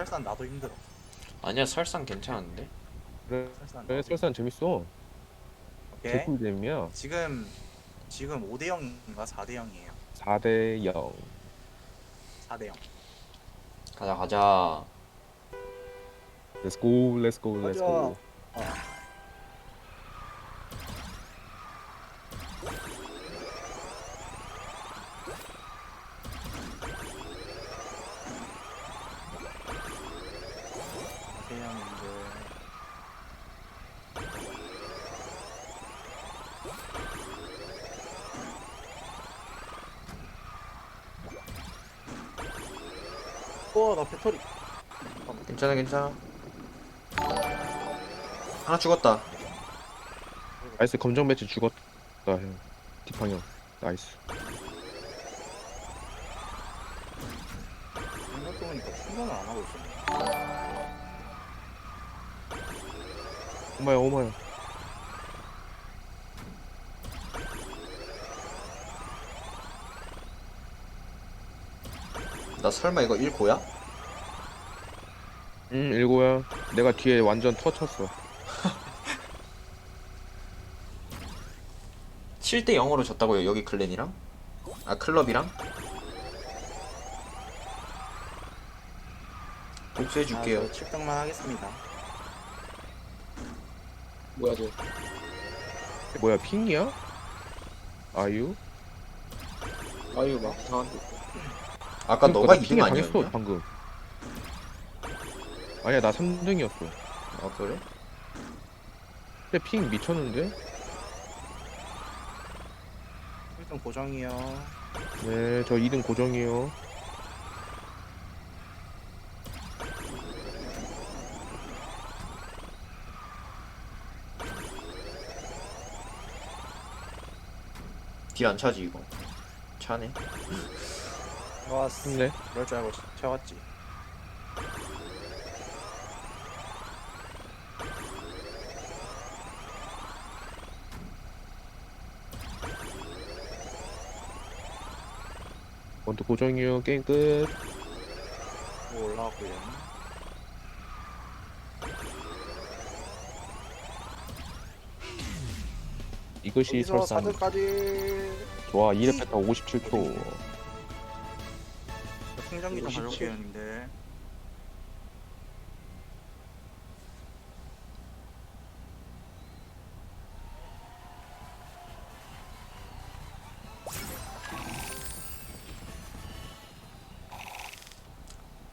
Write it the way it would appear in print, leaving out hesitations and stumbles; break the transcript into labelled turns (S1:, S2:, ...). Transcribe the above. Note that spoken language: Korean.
S1: 설산 나도 힘들어.
S2: 아니야 설상 괜찮은데?
S3: 그래,
S1: 설산
S3: 그래
S1: 나도
S3: 설산 재밌어.
S1: 오케이.
S3: 개꿀잼이야.
S1: 지금 5대 0인가 4대 0이에요.
S3: 4대 0.
S1: 4대 0.
S2: 가자 가자.
S3: Let's go, let's go, let's
S1: 가자.
S3: go.
S1: 대형인들. 나 배터리.
S2: 괜찮아 괜찮아. 하나 죽었다.
S3: 나이스 검정 배치 죽었다 형. 디팡 형. 나이스.
S1: 생각해보니까 충전을 안 하고 있었네.
S3: 오마야 오마야.
S2: 나 설마 이거 1고야?
S3: 응 일고야. 내가 뒤에 완전 터쳤어.
S2: 7대 0으로 졌다고요 여기 클랜이랑? 아 클럽이랑? 복수해줄게요.
S1: 7등만 하겠습니다.
S4: 뭐야 쟤?
S3: 뭐야 핑이야? 아유?
S4: 아유 막 이상한데.
S2: 아까
S3: 그러니까
S2: 너가
S3: 나
S2: 2등
S3: 핑에 당했어
S2: 아니었냐?
S3: 방금. 아니야 나 3등이었어.
S2: 아 그래?
S3: 근데 핑 미쳤는데?
S1: 1등 고정이요.
S3: 네 저 2등 고정이에요.
S2: 딜 안 차지 이거. 차네.
S1: 좋았어.
S3: 힘내.
S1: 그럴 줄 알고 채웠지.
S3: 원투 고정이요. 게임 끝.
S1: 올라왔고요.
S3: 이것이
S1: 여기서
S3: 설상.
S1: 4등까지.
S3: 좋아 2렙 패턴 57초.
S1: 충전기 좀 가져올게요, 님들.